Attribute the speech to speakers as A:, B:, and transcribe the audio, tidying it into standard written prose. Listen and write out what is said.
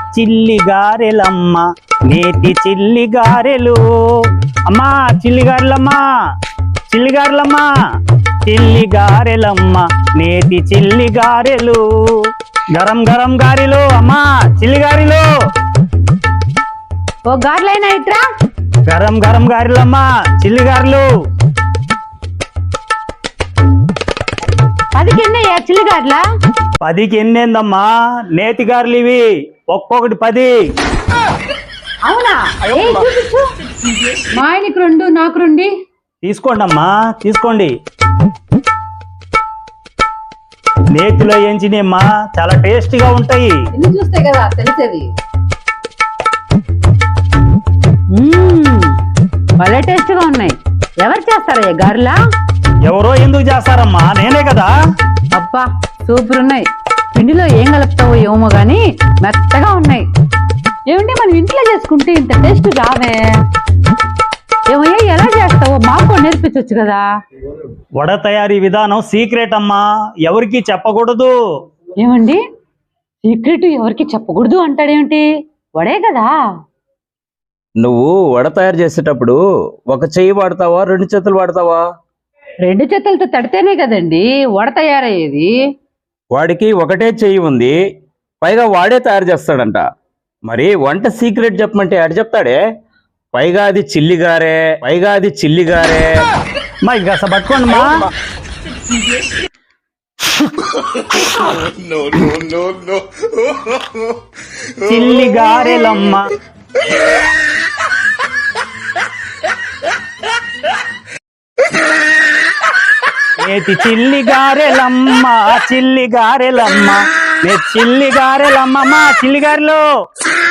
A: చిల్లి గారెలమ్మ నేతి చిల్లి గారెలు. అమ్మా చిల్లి గారెలమ్మా, చిల్లి గారెలమ్మా, చిల్లి గారెలమ్మ నేతి చిల్లి గారెలు. గరం గరం గారెలు అమ్మా, చిల్లి గారెలు.
B: ఓ గారెలైనా ఇట్రా.
A: గరం గరం గారెలమ్మా, చిల్లి గారెలు.
B: 10కి ఎన్నయ్యా చిల్లి గారెలా?
A: 10కి ఎన్నేందమ్మా, నేతి గారెలు ఇవి, ఒక్కొక్కటి 10.
B: అవునా? చూపించు. మా ఆయనకి 2 నాకు 2.
A: తీసుకోండి అమ్మా, తీసుకోండి. నేతిలో ఏంచినమ్మా, చాలా టేస్టీగా ఉంటాయి.
B: ఎన్ని చూస్తే కదా తెలిసేది. భలే టేస్ట్ గా ఉన్నాయి. ఎవరు చేస్తారయ్యా గారెలా?
A: ఎవరో ఎందుకు చేస్తారమ్మా, నేనే కదా.
B: అబ్బా సూపర్ ఉన్నాయి. పిండిలో ఏం కలుపుతావో ఏమో గాని మెత్తగా ఉన్నాయి. ఏమంటే మనం ఇంట్లో చేసుకుంటే ఇంత టేస్ట్ రావే. ఏమయ్యా ఎలా చేస్తావో మాకు నేర్పించవచ్చు కదా.
A: వడ తయారీ విధానం సీక్రెట్ అమ్మా, ఎవరికి చెప్పకూడదు.
B: ఏమండి సీక్రెట్ ఎవరికి చెప్పకూడదు అంటాడేమిటి? వడే కదా.
C: నువ్వు వడ తయారు చేసేటప్పుడు ఒక చెయ్యి వాడతావా, 2 చేతులు వాడతావా?
B: 2 చేతులతో తడితేనే కదండి వడ తయారయ్యేది.
C: వాడికి ఒకటే చెయ్యి ఉంది, పైగా వాడే తయారు చేస్తాడంట. మరి వంట సీక్రెట్ చెప్పమంటే ఆడు చెప్తాడే. పైగా అది చిల్లిగారే, పైగా అది చిల్లిగారే.
A: మా ఇంకా పట్టుకోండి మా. చిల్లి గారెలమ్మ నేతి చిల్లి గారెలమ్మ, చిల్లి గారెలమ్మ, నే చిల్లి గారెలమ్మ, చిల్లి గారెలు.